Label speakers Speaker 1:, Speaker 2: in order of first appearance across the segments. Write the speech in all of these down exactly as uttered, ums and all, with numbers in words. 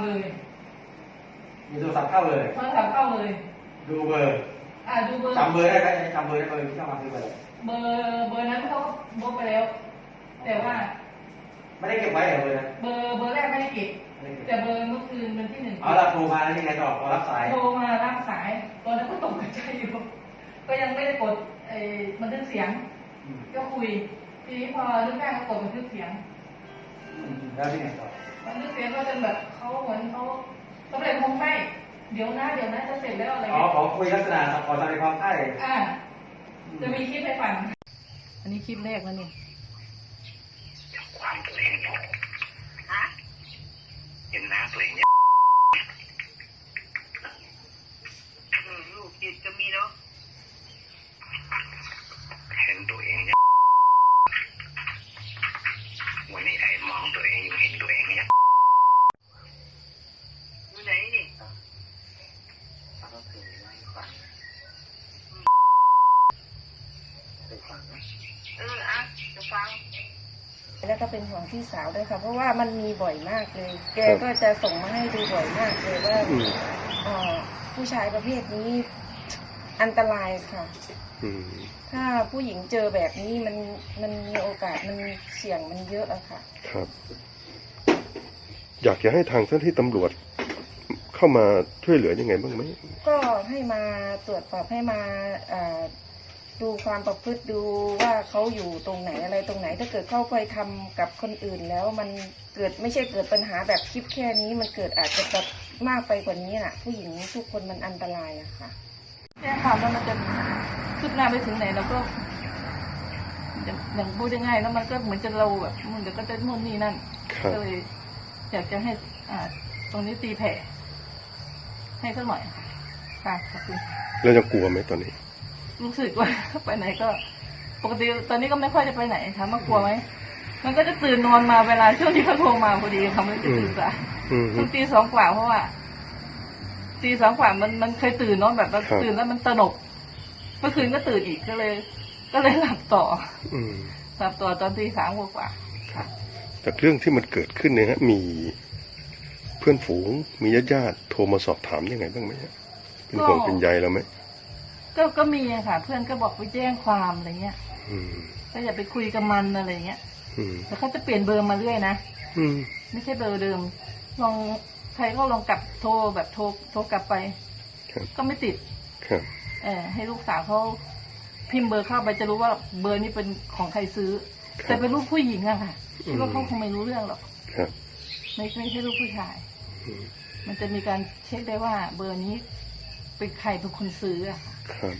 Speaker 1: เลย
Speaker 2: มีโทรศัพท์เข้าเลย
Speaker 1: โทรศัพท์เข้าเลย
Speaker 2: ดูเบอร์
Speaker 1: อ่าดูเบอร์
Speaker 2: จำเบอร์ได้ไหมจำเบอร์ได้เบอร์ที่เข้ามาคือเบอร์
Speaker 1: เบอร์เบอร์นั้นเขาบล็อกไปแล้วแต่ว่า
Speaker 2: ไม่ได้เก็บไว้เหรอเบอร์นะ
Speaker 1: เบอร์เบอร์แรกไม่ได้เก็บแต่เบอร์เมื่อคืนวันที่หนึ่ง
Speaker 2: อ๋อเราโทรมาแล้วยังไงต่อพอรับสาย
Speaker 1: โทรมารับสายตอนนั้นก็ตกใจอยู่ก็ยังไม่ได้กดไอ้บันทึกเสียงก็คุยทีนี้พอลูกแม่ก็กดบันทึกเสียง
Speaker 2: แล้วที่ไหนต่อ
Speaker 1: บันทึกเสียงก็จนแบบเขาเหมือนเขาเขาเลยคงไม่เดี๋ยวนะเดี๋ยวนะจะเสร็จแล้วอะไร
Speaker 2: อ๋อขอคุยลักษณะขอแสดงความใกล้
Speaker 1: อ่าจะมีคลิปให้ฟังอันนี้คลิปแรกแล้วนี่
Speaker 3: ความตัวเองอยู่ฮะเห็นหน้าตัวเองเนี่ยลูกจิตจะมีเนาะเห็นตัวเองเนี่ยวันนี้ไอ้มองตัวเองอยู่เห็นตัวเองเนี่ยอยู่ไหนนี่ก็คือไม่ฟังไปฟังไหมเอออ่ะจะฟัง
Speaker 4: แล้วก็เป็นห่วงพี่สาวด้วยค่ะเพราะว่ามันมีบ่อยมากเลยแกก็จะส่งมาให้ดูบ่อยมากเลยว่าผู้ชายประเภทนี้อันตรายค่ะถ้าผู้หญิงเจอแบบนี้มันมันมีโอกาสมันเสี่ยงมันเยอะอะค่ะ
Speaker 5: ครับอยากจะให้ทางเจ้าหน้าที่ตำรวจเข้ามาช่วยเหลือยังไงบ้างไหม
Speaker 4: ก็ให้มาตรวจสอบให้มาดูความประพฤติดูว่าเขาอยู่ตรงไหนอะไรตรงไหนถ้าเกิดเขาไปทำกับคนอื่นแล้วมันเกิดไม่ใช่เกิดปัญหาแบบคลิปแค่นี้มันเกิดอาจจะแบบมากไปกว่านี้น่ะผู้หญิงทุกคนมันอันตรายอะค่ะ
Speaker 1: แค่ความว่ามันจะคืบหน้าไปถึงไหนเราก็อย่างพูดง่ายๆแล้วมันก็เหมือนจะเราแบบมันเดี๋ยวก็จะนู่นนี่นั่นก็เลยอยากจะให้อ่าตรงนี้ตีแผ่ให้สักหน่อยค่ะค่ะขอบคุณ
Speaker 5: แล้วยังกลัวไหมตอนนี้
Speaker 1: รู้สึกว่าไปไหนก็ปกติตอนนี้ก็ไม่ค่อยจะไปไหนค่ะมากลัวไหมมันก็จะตื่นนอนมาเวลาช่วงที่เขาโทรมาพอดีทำให้ตื่นสายตั้งตีสองกว่าเพราะว่าตีสองกว่ามันมันเคยตื่นเนาะแบบตื่นแล้วมันตระหนกเมื่อคืนก็ตื่นอีกก็เลย ก็เลยหลับต่อหลับต่อตอนตีสามกว่าค่ะ
Speaker 5: จากเรื่องที่มันเกิดขึ้นเนี่ยฮะมีเพื่อนฝูงมีญาติญาติโทรมาสอบถามยังไงบ้างไหมฮะเป็นห่วงเป็นใยเราไหม
Speaker 1: ก็ก็มีค่ะเพื่อนก็บอกไปแจ้งความอะไรเงี้ยก็อย่าไปคุยกับมันอะไรเงี้ยแต่เขาจะเปลี่ยนเบอร์มาเรื่อยนะไม่ใช่เบอร์เดิมลองใครก็ลองกลับโทรแบบโทรโทรกลับไปก็ไม่ติดเออให้ลูกสาวเขาพิมพ์เบอร์เข้าไปจะรู้ว่าเบอร์นี้เป็นของใครซื้อแต่เป็นลูกผู้หญิงอะค่ะคิดว่าเขาคงไม่รู้เรื่องหรอกไม่ไม่ใช่ลูกผู้ชายมันจะมีการเช็คได้ว่าเบอร์นี้เป็นใครเป็นคนซื้ออะ
Speaker 5: ครับ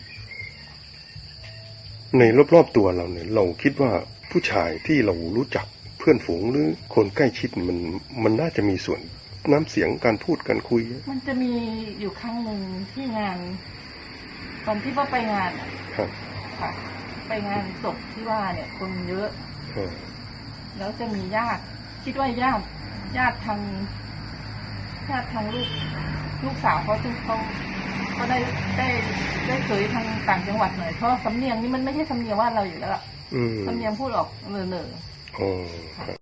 Speaker 5: ในรอบๆตัวเราเนี่ยเราคิดว่าผู้ชายที่เรารู้จักเพื่อนฝูงหรือคนใกล้ชิดมันมันน่าจะมีส่วนน้ำเสียงการพูดการคุย
Speaker 1: มันจะมีอยู่ครั้งหนึ่งที่งานตอนที่ว่าไปงาน
Speaker 5: ครับ
Speaker 1: ค่ะไปงานศพที่ว่าเนี่ยคนเยอะแล้วจะมีญาติคิดว่าญาติญาติทางญาติทางลูกลูกสาวเขาซึ่งเขาก็ได้ได้ได้เคยทางต่างจังหวัดหน่อยเพราะสำเนียงนี่มันไม่ใช่สำเนียงว่าเราอยู่แล้วล่ะสำเนียงพูดออกเนอเนอ